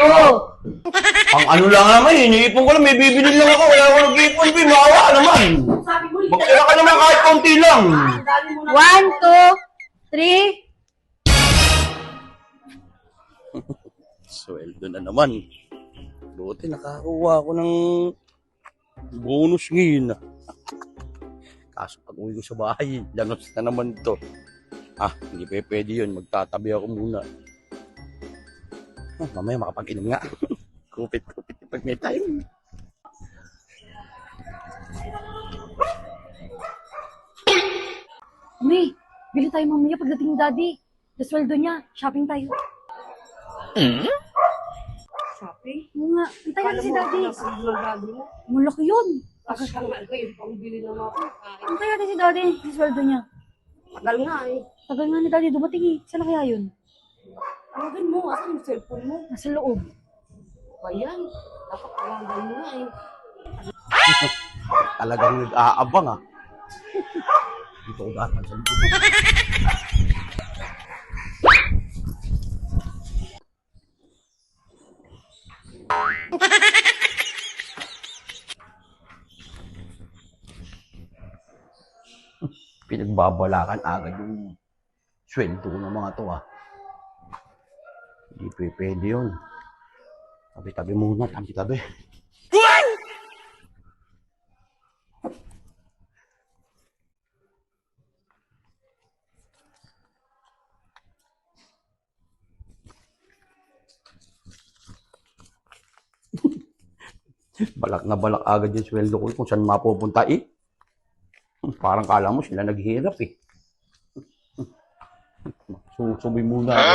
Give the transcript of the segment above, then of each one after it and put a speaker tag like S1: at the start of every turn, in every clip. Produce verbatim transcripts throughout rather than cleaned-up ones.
S1: two.
S2: Ang ano lang naman, iniipon ko lang, may bibili lang ako, wala akong nag-iipon, Pi, maawa naman.
S3: Sabi mo,
S2: Magtira ka naman kahit konti lang.
S3: ang dami mo na.
S1: One, two, three.
S2: Sweldo na naman. Buti nakakuha ako ng bonus ngayon. Kaso pag uwi ko sa bahay, lanos na naman ito. Ah, hindi pa pwede yun. Magtatabi ako muna. Ah, mamaya makapag-inom nga. Kupit-kupit pag may time.
S1: May, bili tayo mamaya pagdating ni Daddy. Sa sweldo niya, shopping tayo.
S3: Shopping?
S1: Oo nga, hintay natin si Daddy.
S3: Ang ng daddy mo.
S1: Malaki yun.
S3: Tagal ka nga kayo, pangbili na mga pagkain.
S1: Hintay natin si Daddy, sa sweldo niya.
S3: Tagal nga eh.
S1: Tagal nga ni Daddy dumating eh. Saan na kaya yun?
S3: Tawagin mo, asan yung cellphone mo?
S1: Nasa loob.
S3: Ba yan? Dapat tawagan mo nga eh.
S2: Talagang nag-aabang ah. Dito ko datan sa likod. Pinagbabalakan agad yung sweldo ko ng mga to ah. Hindi p- pwede yun. Tabi-tabi muna, tabi-tabi. Balak na balak agad yung sweldo ko kung saan mapupunta eh. Parang kala mo sila naghihirap eh. Susubi muna ako.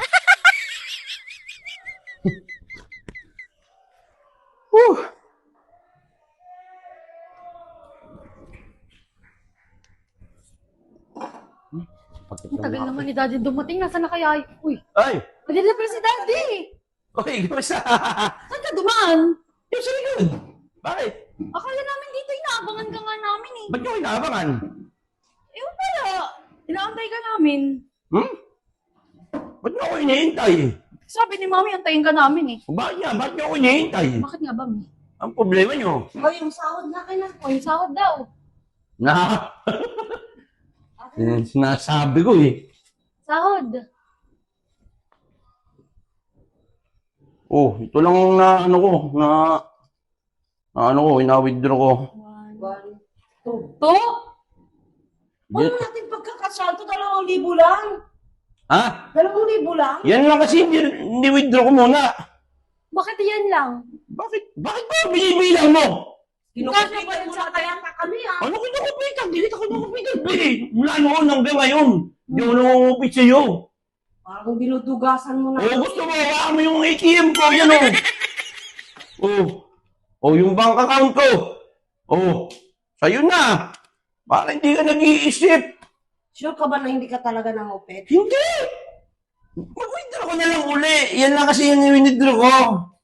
S2: Whew.
S1: Ang tagal naman ni Daddy dumating. Nasaan na kaya? Uy,
S2: Ay!
S1: nandito na pala si Daddy.
S2: Okay, kamusta?
S1: Saan ka dumaan?
S2: Yung sa likod. Bakit?
S1: Akala namin dito, inaabangan ka nga namin eh.
S2: Ba't nyo inaabangan?
S1: Ewan pala. Inaantay ka namin.
S2: Hmm? Ba't nyo ako hinihintay?
S1: Sabi ni Mami, antayin ka namin eh.
S2: Bakit nga? Ba't nyo ako hinihintay?
S1: Bakit nga ba, Mi?
S2: Ang problema nyo?
S3: O, yung sahod na kayo na.
S1: O, yung sahod daw.
S2: Na? Yan sinasabi ko eh.
S1: Sahod.
S2: Oh, ito lang na ano ko, na, na ano ko, ina-withdraw ko.
S1: One,
S3: One, two.
S1: two.
S3: Huwag mo natin pagkakasalto, dalawang libo lang.
S2: Ha?
S3: Dalawang libo lang.
S2: Yan lang kasi, hindi, hindi withdraw ko muna.
S1: Bakit yan lang?
S2: Bakit? Bakit ba binibilang mo?
S3: Kinukupitan mo na kaya ka kami ah.
S2: Ano kinukupitan? Hindi kita kinukupitan, eh. Mula noon hanggang ngayon. Hindi ako nangungupit sa'yo.
S3: Parang dinudugasan mo na.
S2: Oh, gusto mo, hawakan mo yung A T M ko, yan o. Oh. Oh, yung bank account ko. Oh, sa'yo na. Para hindi ka nag-iisip.
S3: Sure ka ba na hindi ka talaga nangupit?
S2: Hindi! Mag-withdraw ko na lang uli. Yan lang kasi yung withdraw ko.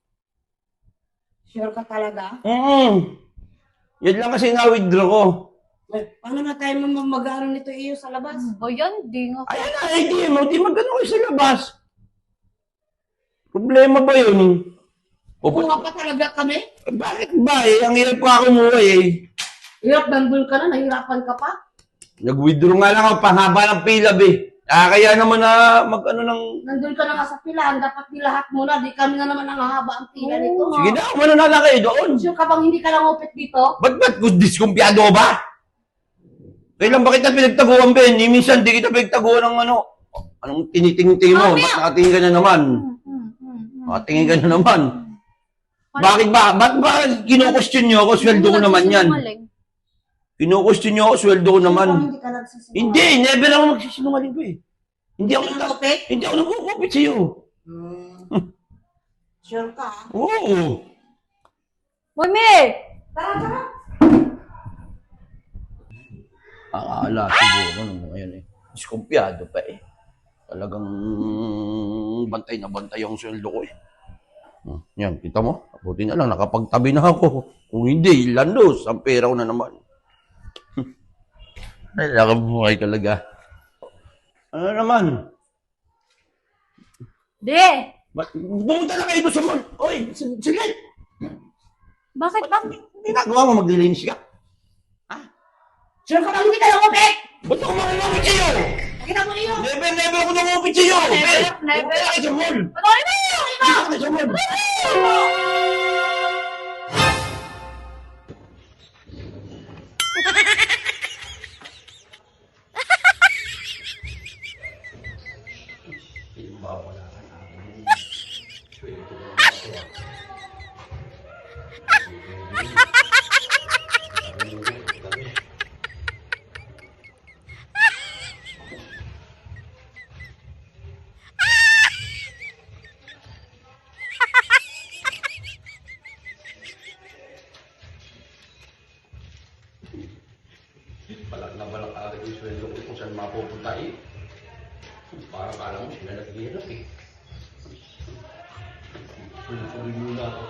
S3: Sure ka talaga?
S2: Mm. Yan lang kasi na-withdraw ko.
S3: Eh, paano na tayo mamagano nito iyo sa labas?
S1: Ba yan? Di nga.
S2: Ayan na, A T M mo. Di magano kayo sa labas. Problema ba yun? O,
S3: Kuha
S2: ba't-
S3: pa talaga kami?
S2: bakit ba eh? Ang hirap ko ako kumuha eh.
S3: Hirap, nandun ka na, nahirapan ka pa.
S2: Nag-withdraw nga lang ako, pahaba ng pila eh. Ah, kaya naman na mag-ano ng...
S3: Nandun ka na nga sa pilahan, dapat nilahat mo na, di kami na naman ang hahaba ang pila nito.
S2: Sige na, umano na lang kayo doon.
S3: Sure ka bang hindi ka nangupit dito?
S2: Ba't ba't kung diskumpiyado ka ba? Kailan ba kita pinagtaguan, Ben? Ni minsan di kita pinagtaguan ng ano. Anong tinitingting mo?
S1: Mamaya.
S2: Ba't nakatingin ka na naman?
S1: Hmm, hmm, hmm, hmm.
S2: Nakatingin ka na naman. Bakit ba? Ba't ba kino-question nyo ako? Sweldo ko naman yan.
S1: Sinungaling.
S2: Kino-question nyo ako? Sweldo ko naman.
S3: Sure ka hindi ka nagsisinungaling?
S2: Hindi, never ako magsisinungaling ko eh. Hindi ako,
S3: Nangupit?
S2: hindi ako nagkukupit sa'yo.
S3: Hmm. Sure ka? ah?
S2: Oo.
S1: Mami!
S3: Tara, tara.
S2: Akala siguro nung ngayon eh. Diskumpiyado pa eh. Talagang bantay na bantay ang sweldo ko eh. Hmm, yan, kita mo? Buti na lang, nakapagtabi na ako. Kung hindi, landos, ang pera ko na naman. Ay, nakabuhay talaga. Ano naman?
S1: Di!
S2: Ba't pumunta na kayo doon sa mall? Oy, s- sige.
S1: Bakit? Bakit?
S2: Ginagawa mo, maglilinis ka.
S3: Sino ka lang hindi kayo umupit?
S2: Ba't ako makakapit sa'yo?
S3: Kita mo iyo.
S2: Never, never ako nangupit sa'yo.
S1: Never,
S2: Eh,
S1: never.
S2: pumunta na kayo sa mall.
S1: Patuloy mo!
S2: Pumunta na kayo sa mall. Balak na balak agad yung sweldo ko kung saan mapupunta eh. Parang kala mo sila naghihirap eh. Tuloy-tuloy muna ako.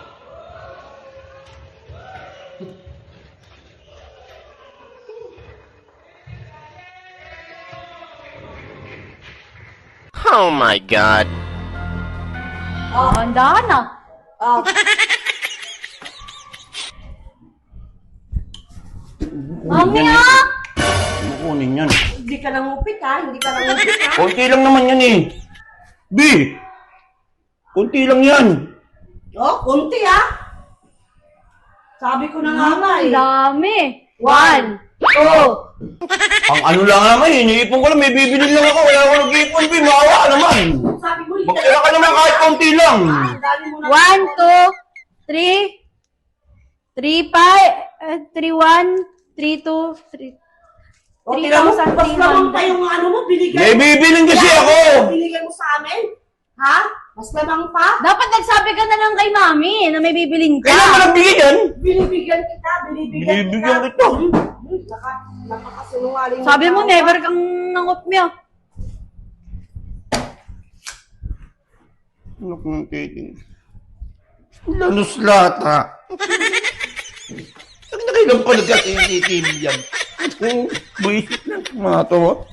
S4: Oh my god.
S1: Oh, handahan na.
S3: Oh.
S1: Mami ah!
S2: Ano kunin yan?
S3: Hindi ka lang upit ha. Hindi ka lang upit ha.
S2: Kunti lang naman yan eh. B! Kunti lang yan.
S3: Oh, kunti ha. Sabi ko na nga nga
S1: Ang
S3: eh.
S1: dami. One, two.
S2: Ang ano lang naman eh. Iniipon ko lang. May bibili lang ako. Wala ako nag-iipon. B. Maawa ka naman.
S3: Sabi mo, hindi
S2: Magtira ka naman kahit konti lang.
S3: Ang dami mo na.
S1: One, two, three. Three, five. Uh, three, one. Three, two, three.
S3: O, tira mo,
S1: three thousand
S3: bas
S1: three
S3: lamang
S1: hundred.
S3: pa yung ano mo, binigay.
S2: May bibiling kasi
S3: Kaya,
S2: ako.
S3: Binigay mo sa amin? Ha? Mas lamang pa?
S1: Dapat nagsabi ka na lang kay mami na may bibilin ka.
S2: Kailan ka nagbigay yan?
S3: Binibigyan kita, binibigyan,
S2: Binibigyan
S3: kita.
S2: kita.
S3: Hmm, hmm, Naka, nakakasinungaling.
S1: Sabi mo,
S3: ka.
S1: never kang nangopmyo.
S2: Ano kung titing? Lanos lahat ha. Ang nakailang pa nagka-C C T V yan. Buwisit na mga to.